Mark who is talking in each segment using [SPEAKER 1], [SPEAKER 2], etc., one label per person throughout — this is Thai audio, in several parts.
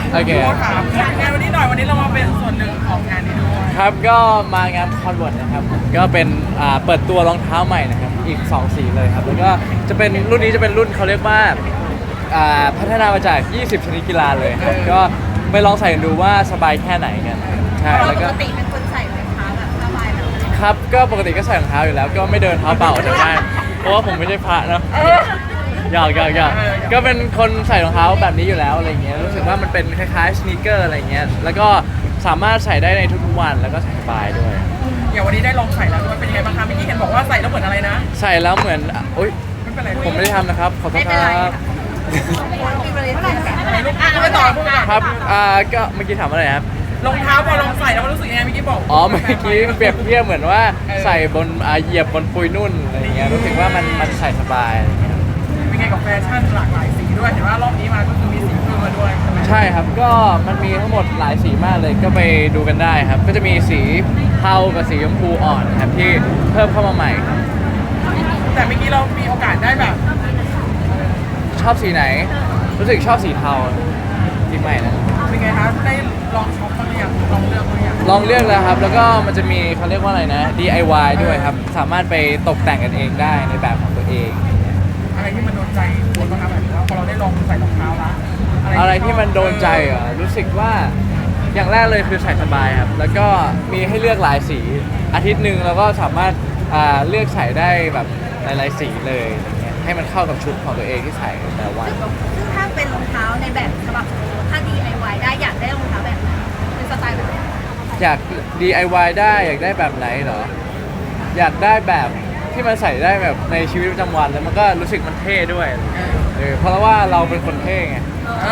[SPEAKER 1] โอเค
[SPEAKER 2] ถามงานวันนี้หน่อยวันนี้เรามาเป็นส่วนหนึ่งของงานนี้ด้วย
[SPEAKER 1] ครับก็มางานคอนเวิร์ตนะครับผมก็เป็นเปิดตัวรองเท้าใหม่นะครับอีก2สีเลยครับแล้วก็จะเป็นรุ่นนี้จะเป็นรุ่นเขาเรียกว่าพัฒนามาจาก20ชนิดกีฬาเลยครับก็ไปลองใส่กันดูว่าสบายแค่ไหนกันใช่แล้ว
[SPEAKER 3] ป
[SPEAKER 1] ก็
[SPEAKER 3] กติเป็นคนใส่รองเท้าแบบผ้าใบแบบนี้
[SPEAKER 1] ครับก็ปกติก็ใส่รองเท้าอยู่แล้วก็ไม่เดินเท้าเปล่าออกจากบ้านเพราะว่าผมไม่ใช่พระเนาะหยอกก็เป็นคนใส่รองเท้าแบบนี้อยู่แล้วอะไรเงี้ยรู้สึกว่ามันเป็นคล้ายๆสนีกเกอร์อะไรเงี้ยแล้วก็สามารถใส่ได้ในทุกๆวันแล้วก็ใส่สบายด้วย
[SPEAKER 2] อย่างวันนี้ได้ลองใส่แล้วด้วยเป็นยังไงบ้างคะเมื่อกี้เห็นบอกว่าใส่แล้วเหมือนอะไรนะ
[SPEAKER 1] ใส่แล้วเหมือนอุ๊ย
[SPEAKER 2] ไม่เป็นไร
[SPEAKER 1] ผมไม่ได้ทำนะครับขอโทษครับ
[SPEAKER 3] มีบริษัทแบบ
[SPEAKER 2] ไม่ต่อพูดก่อน
[SPEAKER 1] ครับก็เมื่อกี้ถามอะไรนะครับ
[SPEAKER 2] รองเท้าพอลองใส่แล้วมันรู้สึกยังไงเมื่อกี้บอก
[SPEAKER 1] อ๋อเมื่อกี้เปรียบเทียบเหมือนว่าใส่บนเหยียบบนปุยนุ่นอะไรเงี้ยรู้สึกว่ามันใส่สบายอะไรเงี้ย
[SPEAKER 2] เป็นไงกับแฟชั่นหลากหลายสีด้วยเห็นว่ารอบนี้มาก็คือมีสีเพิ่มมาด้วยใช่ไหม
[SPEAKER 1] ใช่ครับก็มันมีทั้งหมดหลายสีมากเลยก็ไปดูกันได้ครับ ก็จะมีสีเทากับสีชมพูอ่อนครับที่เพิ่มเข้ามาใหม่ครับ
[SPEAKER 2] แต่เมื่อกี้เรามีโอกาสได้แบบ
[SPEAKER 1] ชอบสีไหน รู้สึกชอบสีเทาสีใหม่นะ
[SPEAKER 2] เป็นไงคะได้ลองช็อปบ้างหรือยังลองเลือกบ้างหรือยัง
[SPEAKER 1] ลองเลือกแล้วครับ แล้วก็มันจะมีเขาเรียกว่าอะไรนะ DIY ด้วยครับ สามารถไปตกแต่งกันเองได้ในแบบของตัวเอง
[SPEAKER 2] อะไรที่มันโดนใจคุณบ้างครับแบบว่าพอเราได้ลองใส่รองเท้าละ
[SPEAKER 1] อะไรที่มันโดนใจเหรอรู้สึกว่าอย่างแรกเลยคือใส่สบายครับ แล้วก็มีให้เลือกหลายสีอาทิตย์หนึ่งเราก็สามารถเลือกใส่ได้แบบหลายๆสีเลยอย่างเงี้ยให้มันเข้ากับชุดของตัวเองที่ใส่แต่ละวัน
[SPEAKER 3] ซึ่งถ้าเป็นรองเท้าในแบบฉบับถ้า DIY ได้อยากได้รองเท้าแบบไหนเป็นสไตล์แบบไหน
[SPEAKER 1] อยาก DIY ได้อยากได้แบบไหนเหรออยากได้แบบที่มันใส่ได้แบบในชีวิตประจำวันแล้วมันก็รู้สึกมันเท่ด้วยเพราะว่าเราเป็นคนเท่ไง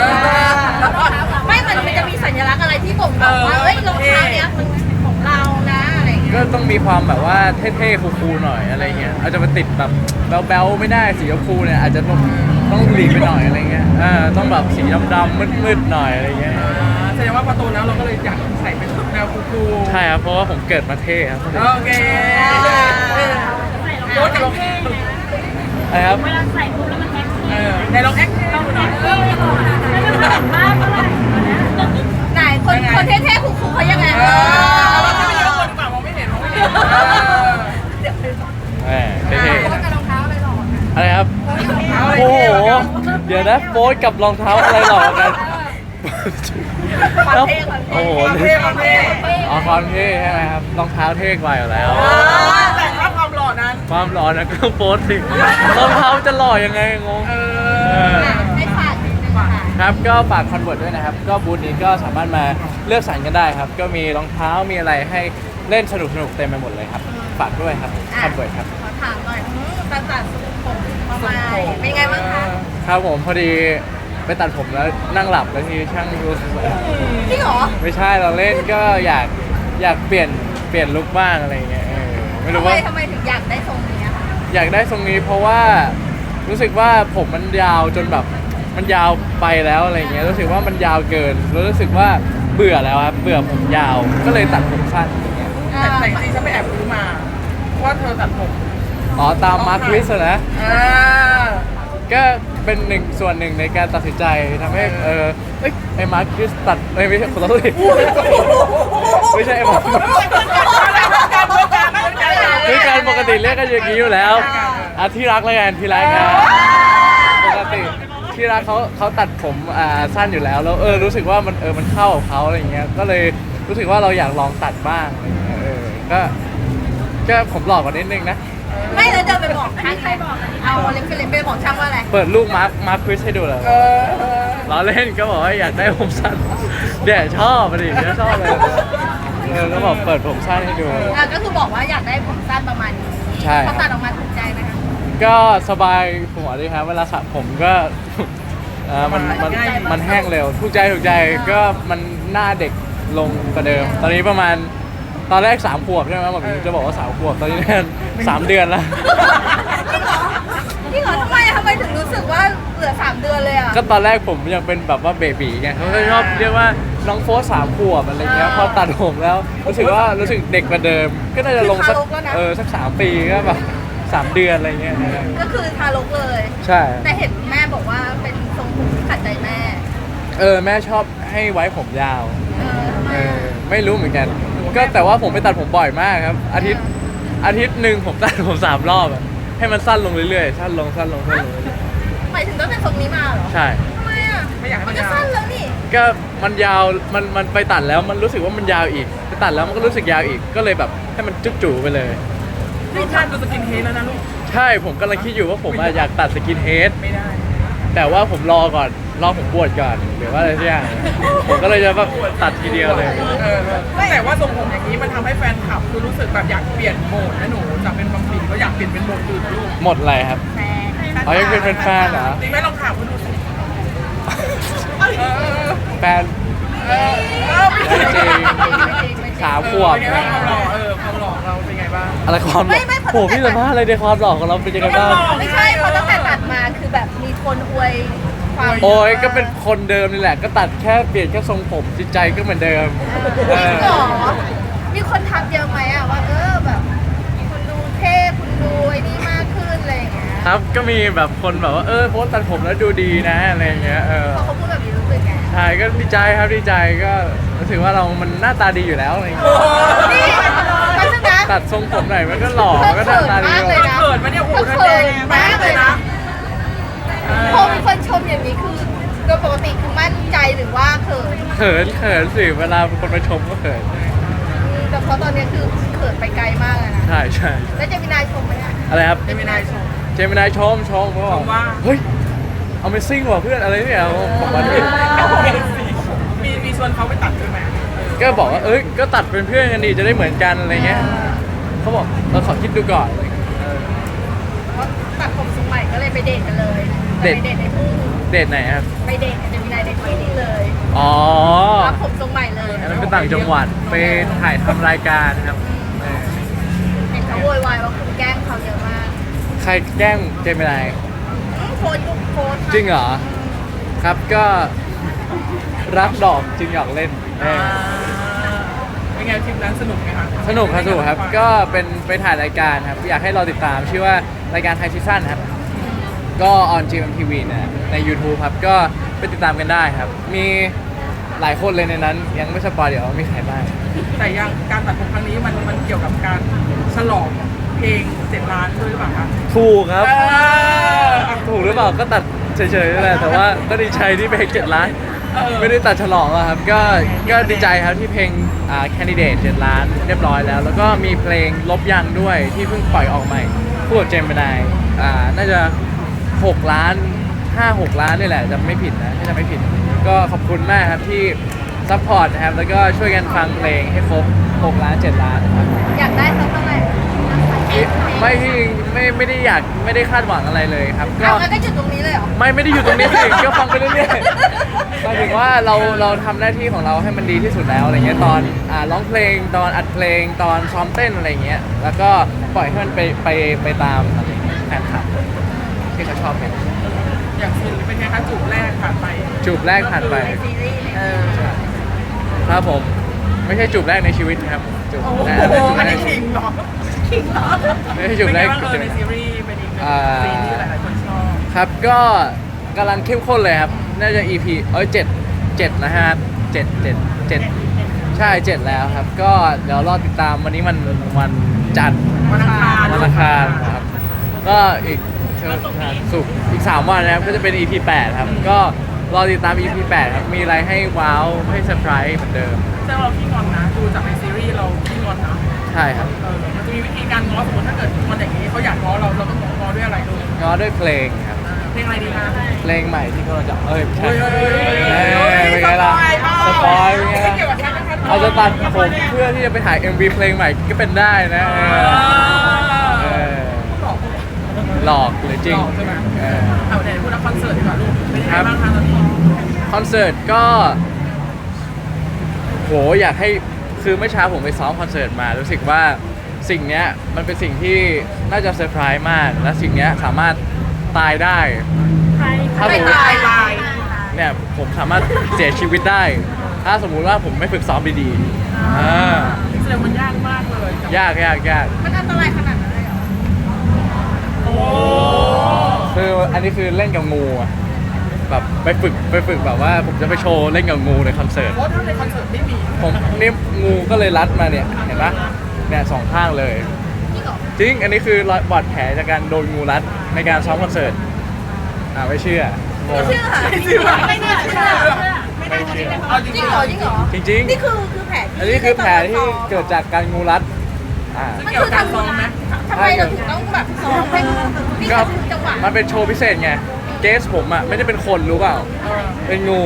[SPEAKER 3] ไม่มันจะมีสัญลักษณ์อะไรที่บ่งบอกว่าเอ้ยรองเท้าเนี้ยมันของเรานะอะไรอย่างเงี้ย
[SPEAKER 1] ก็ต้องมีความแบบว่าเท่ๆคูลๆหน่อยอะไรเงี้ยอาจจะมาติดแบบแบ๊วๆไม่ได้สีชมพูเนี่ยอาจจะต้องหลีกไปหน่อยอะไรเงี้ยต้องแบบสีดำๆมืดๆหน่อยอะไรเงี้ย
[SPEAKER 2] แสดงว่าประตูแล้วเราก็เลยอยากใส่เป็นแนวคูลๆ
[SPEAKER 1] ใช่ครับเพราะว่าผมเกิดมาเท่ครับ
[SPEAKER 2] โอเคโค้ชกับลอง
[SPEAKER 1] อะไรครับ
[SPEAKER 2] ในลองแอคเราหน่อย
[SPEAKER 3] ไหนคนเท่ๆคูลๆเขายังไง
[SPEAKER 2] เราถ้าไม่เยอะคนเปล่ามองไม่เห็น
[SPEAKER 1] เท่
[SPEAKER 3] โค้ชกับรองเท้าอะไรหรอ
[SPEAKER 1] ๆอะไรครับโอ้โหเดี๋ยวนะโป๊กับรองเท้าอะไรหล่อกันโอ้โห
[SPEAKER 2] ความเท่
[SPEAKER 1] อ๋อความเท่ใช่ไหมครับรองเท้าเท่กว่าอยู่แล้ว
[SPEAKER 2] แต่ถ้าความหล่อนั้น
[SPEAKER 1] ความหล่อนะก็โป๊สิรองเท้าจะหล่อยังไงงง
[SPEAKER 3] ให้ฝากนิดนึงค่ะ
[SPEAKER 1] ครับก็ฝากคอนเวิร์ตด้วยนะครับ ก็บูธนี้ก็สามารถมาเลือกสรรกันได้ครับ ก็มีรองเท้ามีอะไรให้เล่นสนุกเต็มไปหมดเลยครับ ฝากด้วยครับคอนเวิร์ตครับ
[SPEAKER 3] ขอถามหน่อยการตัดผมมาใหม่เป็นไงบ้างคะ
[SPEAKER 1] ครับผมพอดีไปตัดผมแล้วนั่งหลับแล้วทีช่างดู
[SPEAKER 3] จริงเหรอ
[SPEAKER 1] ไม่ใช่เราเล่นก็อยากเปลี่ยนลุคบ้างอะไรเงี้ยไม่รู้ว่า
[SPEAKER 3] ทำไมถึงอยากได้ทรงนี้คะ
[SPEAKER 1] อยากได้ทรงนี้เพราะว่ารู้สึกว่าผมมันยาวจนแบบมันยาวไปแล้วอะไรเงี้ยรู้สึกว่ามันยาวเกินแล้วรู้สึกว่าเบื่อแล้วครับเบื่อผมยาวก็เลยตัดผมสั้นอย่างเงี้ย
[SPEAKER 2] แต่จริงๆฉันไปแอบรู้มาว่าเธอตัดผม
[SPEAKER 1] อ๋อตามมาร์คลิสนะ
[SPEAKER 2] อ่า
[SPEAKER 1] ก็เป็นส่วนหนึ่งในการตัดสินใจทำให้ไอ้มาร์คลิสตัดไม่ใช่ขอโทษดิไม่ใช่ไอ้มาร์คคือการปกติเรียกกันอย่างนี้อยู่แล้วที่รักแล้วกันที่รักนะปกติที่รักเขาตัดผมสั้นอยู่แล้วแล้วรู้สึกว่ามันเข้ากับเขาอะไรเงี้ยก็เลยรู้สึกว่าเราอยากลองตัดบ้างอะไรเงี้ยก็ผมหลอกกว่านิดนึงนะ
[SPEAKER 3] ไม่แล้วเดินไปบอกช่างใครบอกเอาเรฟเฟรนซ์ไปบอกช่างว่าอะไร
[SPEAKER 1] เปิดรูปมาร์คคริสให้ดูเลยล้อเล่นก็บอกว่าอยากได้ผมสั้นเดี๋ยวชอบดิเดี๋ยวชอบเลยก็บอกเปิดผมสั้นให้ดู
[SPEAKER 3] ก็คือบอกว่าอยากได้ผมสั้นประมาณนี้
[SPEAKER 1] ใช่
[SPEAKER 3] เขาตัดออกมาถูกใจไหมคะ
[SPEAKER 1] ก็สบายหัวดีครับเวลาสระผมก็มันแห้งเร็วถูกใจก็มันหน้าเด็กลงกว่าเดิม ตอนนี้ประมาณตอนแรก3 ขวบใช่ไหมผมจะบอกว่า3 ขวบตอนนี้3 เดือนแล้ว
[SPEAKER 3] จริงเหรอทำไมถึงรู้สึกว่าเหลือ3 เดือนเลยอ่ะ
[SPEAKER 1] ก็ตอนแรกผมยังเป็นแบบว่าเบบีไงเขาก็ชอบเรียกว่าน้องโฟส3 ขวบอะไรเงี้ยพอตัดผมแล้วรู้สึกเด็กกว่าเดิม ก็น่าจะลงสัก3 ปีก็แบบ3 เดือนอะไรเงี้ย
[SPEAKER 3] ก็คือทารกเลย
[SPEAKER 1] ใช่
[SPEAKER 3] แต่เห็นแม่บอกว่าเป็นทรงผมที่ขัดใจแม่
[SPEAKER 1] แม่ชอบให้ไว้ผมยาว
[SPEAKER 3] เออ
[SPEAKER 1] ไม่รู้เหมือนกัน ก็แต่ว่าผมไปตัดผมบ่อยมากครับ อาทิตย์หนึ่งผมตัดผม3 รอบอะให้มันสั้นลงเรื่อยๆสั้นลงเรื่อย
[SPEAKER 3] หมายถึงต้องเป็นทรงนี้มาเหรอ
[SPEAKER 1] ๆใช่
[SPEAKER 3] ทำไมอ่ะ
[SPEAKER 2] ไม่อยากให้
[SPEAKER 3] มั
[SPEAKER 2] มัน น
[SPEAKER 3] ก็
[SPEAKER 2] ยาว
[SPEAKER 3] สั้นแล้วนี่
[SPEAKER 1] ก็มันยาวมันไปตัดแล้วมันรู้สึกว่ามันยาวอีกไปตัดแล้วมันก็รู้สึกยาวอีกก็เลยแบบให้มันจุ๊จู่ไปเลย
[SPEAKER 2] รูปท่านดูสกินเฮดแล้วนะลูก
[SPEAKER 1] ใช่ผมกำลังคิดอยู่ว่าผมอะอยากตัดสกินเฮด
[SPEAKER 2] ไม่ได้
[SPEAKER 1] แต่ว่าผมรอก่อนรอผมบวชก่อนหรือว่าอะไรสักอย่างผมก็เลยจะแบบตัดทีเดียวเลย
[SPEAKER 2] แต่ว่าทรงผมอย่างนี้มันทำให้แฟนคลับคือรู้สึกแบบอยากเปลี่ยนโหมดนะหนูจากเป็นบัมบี้ก็อยากเปลี่ยนเป็นโหมดอื่นนะลูก
[SPEAKER 1] หมดอะไรครับ
[SPEAKER 3] แฟน
[SPEAKER 1] อ๋อยังเป็นแฟนๆเหรอ
[SPEAKER 2] จริงไหมลองถามเขาดูสิเออ
[SPEAKER 1] แฟน
[SPEAKER 2] ไม่จริง
[SPEAKER 1] จริง 3 ขวบ
[SPEAKER 2] เป็นไงบ้างความหล่อความหล่อเราเป็นไงบ้าง
[SPEAKER 1] อะไรความหล่อโหพี่สัมภาษณ์อะไรในความหล่อของเราเป็นยังไงบ้าง
[SPEAKER 3] ไม่ใช่เพราะตั้งแต่ตัดมาคือแบบมีคนอวยความ
[SPEAKER 1] โอ้ยก็เป็นคนเดิมนี่แหละ ก็ตัดแค่เปลี่ยนแค่ทรงผมจิตใจก็เหมือนเดิม
[SPEAKER 3] จริงเหรอมีคนทักเยอะไหมอ่ะว่าแบบคุณดูเท่คุณดูไอ้นี่มากขึ้นอะไรอย่างเงี้ย
[SPEAKER 1] ครับก็มีแบบคนแบบว่าโพสต์ตัดผมแล้วดูดีนะอะไรอย่างเงี้ย
[SPEAKER 3] พอเขาพูดแบบนี้รู้สึกไง
[SPEAKER 1] ใช่ก็ดีใจครับดีใจก็รู้สึกว่าเรามันหน้าตาดีอยู่แล้วอะไรอย่างเงี้ย
[SPEAKER 3] นี่เพราะฉะนั้น
[SPEAKER 1] ตัดทรงผมไหนมันก็หล่อมันก็หน้าตาดี
[SPEAKER 3] เธอเขินมากเลยนะ
[SPEAKER 2] เขินมาเนี่ยโอ้โหท่านแดงมากเลยนะ
[SPEAKER 3] พอมีคนชมอย่างนี้คือโดยปกติคือมั่นใจหรือว่าเขิน
[SPEAKER 1] เขินสิเวลาคนมาชมก็เขิน
[SPEAKER 3] แต่เพราะตอนนี้คือเขินไปไกลมากเลยนะ
[SPEAKER 1] ใช่ใช่
[SPEAKER 3] แล้วเจะมีนายชมไหมอ่ะ
[SPEAKER 1] อะไรครับ
[SPEAKER 2] ไม่ได้ชม
[SPEAKER 1] เจมินายชมเขาบอก
[SPEAKER 2] ชมว่า
[SPEAKER 1] เฮ้ย Amazing ว่ะเพื่อนอะไรเนี่ยผมว่าเนี่ย
[SPEAKER 2] มีชวนเขาไปตัดด้วยไหม
[SPEAKER 1] ก็บอกว่าก็ตัดเป็นเพื่อนกันดีจะได้เหมือนกันอะไรเงี้ยเขาบอกเราขอคิดดูก่อนเออ
[SPEAKER 3] เพราะตัดผมทรงใหม่ก็เลยไปเดทกันเลย
[SPEAKER 1] เดท
[SPEAKER 3] ไปเดทในทุ่ง
[SPEAKER 1] เดทไหนครับ
[SPEAKER 3] ไปเดทกับเจะมีนายในที่นี่เลย
[SPEAKER 1] อ๋อ
[SPEAKER 3] รับผมทรงใหม่เลย
[SPEAKER 1] อันนั้นเป็นต่างจังหวัดไปถ่ายทำรายการครับเออ
[SPEAKER 3] เห็นเขาโวยวายว่าคุณแกล้งเขาเยอะมาก
[SPEAKER 1] ใครแกล้งเจมินาย
[SPEAKER 3] โพสต์ทุกโพสต์
[SPEAKER 1] จริงเหรอ ครับก็รักดอกจึงอยากเล่นเออ
[SPEAKER 2] เป็นไงทริปนั้นสนุกไหมคะ
[SPEAKER 1] สนุกครับ ก็เป็นไปถ่ายรายการครับ อยากให้เราติดตามชื่อว่ารายการไทยซีซั่นครับ ก็ออน GMTV นะใน YouTube ครับ ก็ไปติดตามกันได้ครับ มีหลายคนเลยในนั้น ยังไม่สปอยเดี๋ยวมีใครบ้าง
[SPEAKER 2] แต่ยังการตัดผมครั้งนี้มันเกี่ยวกับการฉลองเพลง7 ล้านด้วยหรือเปล่าคะ
[SPEAKER 1] ถูกครับ ถูกหรือเปล่าก็ตัดเฉยๆนั่นแหละแต่ว่าก็ดีใจที่เพลง7 ล้าน ไม่ได้ตัดฉลองอะครับก็ดีใจครับที่เพลงCandidate 7 ล้านเรียบร้อยแล้ว แล้วก็มีเพลงลบยังด้วยที่เพิ่งปล่อยออกใหม่คู่กับเจมส์ไนน่าจะ6 ล้าน 5-6 ล้านนี่แหละจะไม่ผิดนะถ้าจะไม่ผิด ก็ขอบคุณมากครับที่ซัพพอร์ตนะครับแล้วก็ช่วยกันฟังเพลงให้ครบ6 ล้าน 7 ล้านนะครับ
[SPEAKER 3] อยากได้สักเท่าไหร่
[SPEAKER 1] ไม่ที่ไม่ได้อยากไม่ได้คาดหวังอะไรเลยครับ
[SPEAKER 3] เอางั้นก็จุดตรงนี้เลยเหรอ
[SPEAKER 1] ไม่ได้อยู่ตรงนี้สิก็ฟังไปเรื่อยๆหมายถึงว่าเราทำหน้าที่ของเราให้มันดีที่สุดแล้วอะไรเงี้ยตอนร้องเพลงตอนอัดเพลงตอนซ้อมเต้นอะไรเงี้ยแล้วก็ปล่อยให้มันไปตามอะไรเงี้ยแฟนคลับที่เขาชอบกัน
[SPEAKER 2] อย่างซีเป็นไงคะจูบแรกผ่านไป
[SPEAKER 1] จูบแรกผ่านไป
[SPEAKER 3] ในซีรีส์เนี่ย
[SPEAKER 1] ครับผมไม่ใช่จูบแรกในชีวิตนะครับจูบ
[SPEAKER 3] โอ้โห
[SPEAKER 1] แรก
[SPEAKER 2] อันนี้ขิงเหรอ
[SPEAKER 3] ขิงเหรอ
[SPEAKER 1] ไม่ใช่จูบแรก
[SPEAKER 2] เป็นไงบ้างในซีรีส์เป็นอีกหนึ่งซีนที่หลายๆคนชอบ
[SPEAKER 1] ครับก็กำลังเข้มข้นเลยครับ น่าจะ EP 7นะฮะ7ใช่ 7 แล้วครับ ก็เดี๋ยวรอติดตามวันนี้มันวันจันทร์
[SPEAKER 2] วันอังคาร
[SPEAKER 1] วันอังคารครับ ก็อีกศุกร์อีก 3 วันนะครับ ก็จะเป็น EP 8 ครับ ก็รอติดตาม EP 8 ครับ มีอะไรให้ว้าวให้เซอร์ไพรส์เหมือนเดิม
[SPEAKER 2] ซึ่งเราขี้งอนนะดูจากในซีรีส์เราขี้งอนนะ
[SPEAKER 1] ใช่ครับ
[SPEAKER 2] มันจะมีวิธีการง้อสมมติถ้าเกิดงอนอย่างนี้เขาอยากง้อเราต้องง้อด้วยอะไรดู
[SPEAKER 1] ง้อด้วยเพลงครับ
[SPEAKER 2] เพลงอะไรดีคะ
[SPEAKER 1] เพลงใหม่ที่กำลังจะไม่ใช่
[SPEAKER 2] เฮ้ย
[SPEAKER 1] เป็นไงล่ะสปอยเป็นไง
[SPEAKER 2] ไม่
[SPEAKER 1] ล่ะ
[SPEAKER 2] เกี่ยวกับแค่นั้น
[SPEAKER 1] อาจจะตัดผมเพื่อที่จะไปถ่าย MV เพลงใหม่ก็เป็นได้นะเออหลอกหรือจริง
[SPEAKER 2] ใช่ไหม
[SPEAKER 1] เออ
[SPEAKER 2] เอาเดี๋ยวพูดถึงคอนเสิร์ตดีกว่าลูกเป็นยังไง
[SPEAKER 1] ครับ
[SPEAKER 2] บ้างคะตอนนี้
[SPEAKER 1] คอนเสิร์ตก็โหอยากให้คือเมื่อเช้าผมไปซ้อมคอนเสิร์ตมารู้สึกว่าสิ่งเนี้ยมันเป็นสิ่งที่น่าจะเซอร์ไพรส์มาก และสิ่งเนี้ยสามารถตายได้ ถ้าผม
[SPEAKER 2] ตายตาย
[SPEAKER 1] เนี่ยผมสามารถเสียชีวิตได้ ถ้าสมมุติว่าผมไม่ฝึกซ้อมดีๆอ่า
[SPEAKER 2] แสดงมันยากมากเลย
[SPEAKER 1] ยาก
[SPEAKER 3] มันอันตรายขนาดนั้นเลยเหรอ
[SPEAKER 2] โอ้
[SPEAKER 1] คืออันนี้คือเล่นกับงูอะแบบไปฝึกแบบว่าผมจะไปโชว์เล่นกับงูในคอนเสิร์ต
[SPEAKER 2] เพราะถ้าในคอนเสิร์ตไม่มี
[SPEAKER 1] ผมนี่งูก็เลยรัดมาเนี่ยเห็นปะเนี่ยสองข้างเลย
[SPEAKER 3] นี่เหรอ
[SPEAKER 1] จริงอันนี้คือรอยบาดแผลจากการโดนงูรัดในการซ้อมคอนเสิร์ตไม่เชื่อ
[SPEAKER 3] ไม่เชื่อไม่เชื่อไม่น่าเชื่อ
[SPEAKER 1] ไม่เชื่อ
[SPEAKER 2] เอาจ
[SPEAKER 3] จ
[SPEAKER 2] ริ
[SPEAKER 3] ริ
[SPEAKER 2] ง
[SPEAKER 3] ง
[SPEAKER 2] ๆ
[SPEAKER 3] เหรอจริงเหรอ
[SPEAKER 1] จริง
[SPEAKER 3] นี่คือแผล
[SPEAKER 1] ๆ อันนี้คือแผลที่เกิดจากการงูรัดอ่า
[SPEAKER 2] เกี่ยวกับการซ้อมไหม
[SPEAKER 3] ทำไมเราถึงต้องแบบซ้อมให้นี่
[SPEAKER 1] ก็
[SPEAKER 3] คือจังหวะ
[SPEAKER 1] มันเป็นโชว์พิเศษไงเกสผมอ่ะไม่ได้เป็นคนรู้เปล่าเป็นงู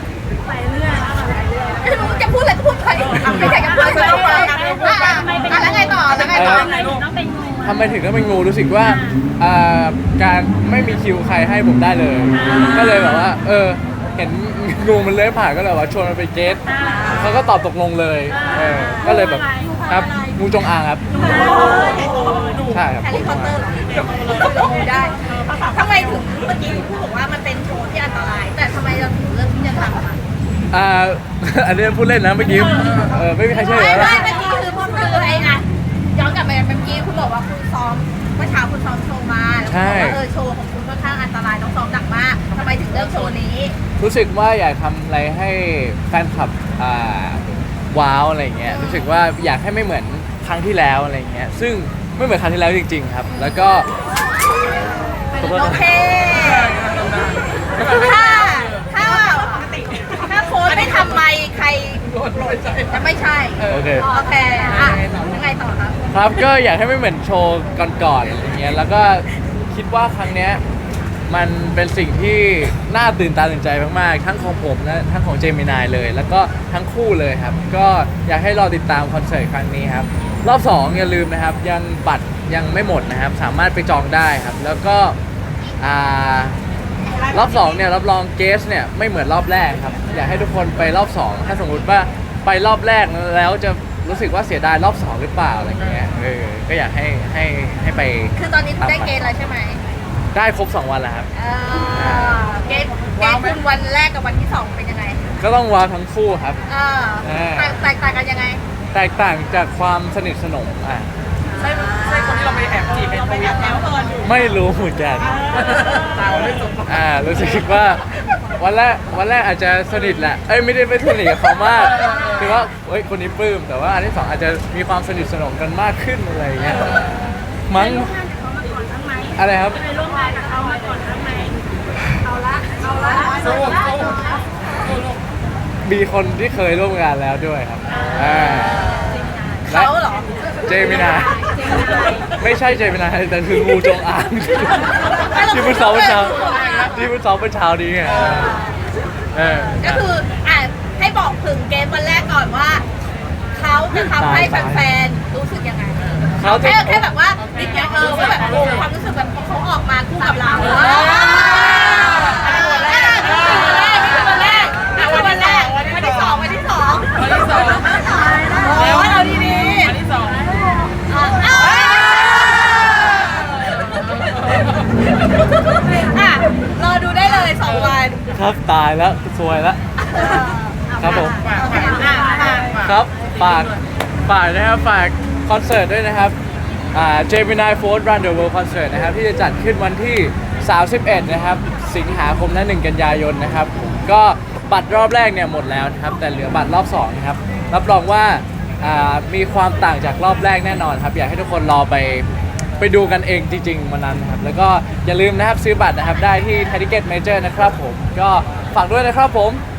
[SPEAKER 3] ไม่รู้จะพูดอะไรก็พูดไปไม่ใช่จะพูดอะไรก็พูดไปแล้วไงต่อแล้วไงต่อ
[SPEAKER 1] ทำไมถึงต้องเป็นงูรู้สึกว่าการไม่มีคิวใครให้ผมได้เลย ก็เลยแบบว่าเห็นงูมันเลื้อยผ่านก็เลยว่าชวนมันไปเกสเขาก็ตอบตกลงเลยก็เลยแบบครับงูจงอางครับใช่ครับ
[SPEAKER 3] แฮร์รี่พอตเตอร์เหรอเราดูได้ทำไมถึงเมื่อกี้พูดบอกว่ามันเป็นโชว์ที่อันตราย แต่ทำไมเราถึงเลือกที่จะทำอ่ะ
[SPEAKER 1] อันนี้พูดเล่นนะเมื่อกี้ไม่มีใครเชื่อ
[SPEAKER 3] ไม่
[SPEAKER 1] แล้ว
[SPEAKER 3] เมื่อกี้คือไอ้นะย้อนกลับไปเมื่อกี้คุณบอกว่าคุณซ้อมเมื่อเช้าคุณซ้อมโชว์มาแล้วคุณบอกว่าโชว์ของคุณค่อนข้างอันตรายต้องซ้อมหนักมากทำไมถึงเลือกโชว์นี้
[SPEAKER 1] รู้สึกว่าอยากทำอะไรให้แฟนคลับว้าวอะไรเงี้ยรู้สึกว่าอยากให้ไม่เหมือนครั้งที่แล้วอะไรเงี้ยซึ่งไม่เหมือนครั้งที่แล้วจริงๆครับแล้วก็
[SPEAKER 3] โอเคถ้าถ้าโค้ชไม่ทำไมใคร
[SPEAKER 2] โรยใจ
[SPEAKER 3] จะไม่ใช่
[SPEAKER 1] โอเค
[SPEAKER 3] โอเคอ่ะยังไงต่อครับ
[SPEAKER 1] ครับก็อยากให้ไม่เหมือนโชว์ก่อนๆอะไรเงี้ยแล้วก็คิดว่าครั้งเนี้ยมันเป็นสิ่งที่น่าตื่นตาตื่นใจมากๆทั้งของผมและทั้งของเจมินายเลย แล้วก็ทั้งคู่เลยครับก็อยากให้รอติดตามคอนเสิร์ตครั้งนี้ครับรอบ2อย่าลืมนะครับยังบัตรยังไม่หมดนะครับสามารถไปจองได้ครับแล้วก็รอบ2เนี่ยรับรองเกสเนี่ยไม่เหมือนรอบแรกครับอยากให้ทุกคนไปรอบ2ถ้าสมมุติว่าไปรอบแรกแล้วจะรู้สึกว่าเสียดายรอบ2หรือเปล่าอะไรเงี้ยก็อยากให้ไป
[SPEAKER 3] คือตอนนี้คุณได้เกณฑ์แล้วใช่ไหม
[SPEAKER 1] ได้ครบ2วันแล้วครับ
[SPEAKER 3] เกณฑ์คุณวันแรกกับวันที่ 2 เป็นยังไง
[SPEAKER 1] ก็ต้องว้าวทั้งคู่ครับ
[SPEAKER 3] แตกต่างกันยังไง
[SPEAKER 1] แตกต่างจากความสนิทสนม
[SPEAKER 2] ใช่คนที่เราไปแอบจีบในทวิตแล้ว
[SPEAKER 1] ไม่รู้เหมือนกัน
[SPEAKER 2] ตาวไม่สม
[SPEAKER 1] รู้สึกว่าวันแรกอาจจะสนิทแหละไม่ได้สนิทกับเขามากคือว่าคนนี้ปลื้มแต่ว่าอันที่ 2อาจจะมีความสนิทสนมกันมากขึ้นอะไรอย่างเงี้ยมั้งอะไรครับ
[SPEAKER 2] สู้
[SPEAKER 1] มีคนที่เคยร่วมงานแล้วด้วยครับและ
[SPEAKER 3] เขาเหรอ
[SPEAKER 1] เจมินายไม่ใช่เจมินายแต่คืองูจงอางที่เพิ่งซ้อมเมื่อเช้านี้ไง
[SPEAKER 3] ก็คือให้บอกถึงเกมวันแรกก่อนว่า เขาจะทำให้แฟนๆรู้สึกยังไง
[SPEAKER 1] เขาจะ
[SPEAKER 3] แค่แบบว่านิดเดียวว่าแบบความรู้สึกแบบเขาออกมาคู่กับเราวันแรกวันที่สองแล้วเราดีๆ
[SPEAKER 2] อันที่สอง
[SPEAKER 3] รอดูได้เลย2 วัน
[SPEAKER 1] ครับตายแล้วสวยแล้วครับผม ครับฝากนะครับฝากคอนเสิร์ตด้วยนะครับGemini Force Run the World Concert นะครับที่จะจัดขึ้นวันที่ 31 นะครับสิงหาคมและ1 กันยายนนะครับก็บัตรรอบแรกเนี่ยหมดแล้วนะครับแต่เหลือบัตรรอบ2นะครับรับรองว่ามีความต่างจากรอบแรกแน่นอนครับอยากให้ทุกคนรอไปดูกันเองจริงๆวันนั้นนะครับแล้วก็อย่าลืมนะครับซื้อบัตรนะครับได้ที่ Thai Ticket Major นะครับผมก็ฝากด้วยนะครับผม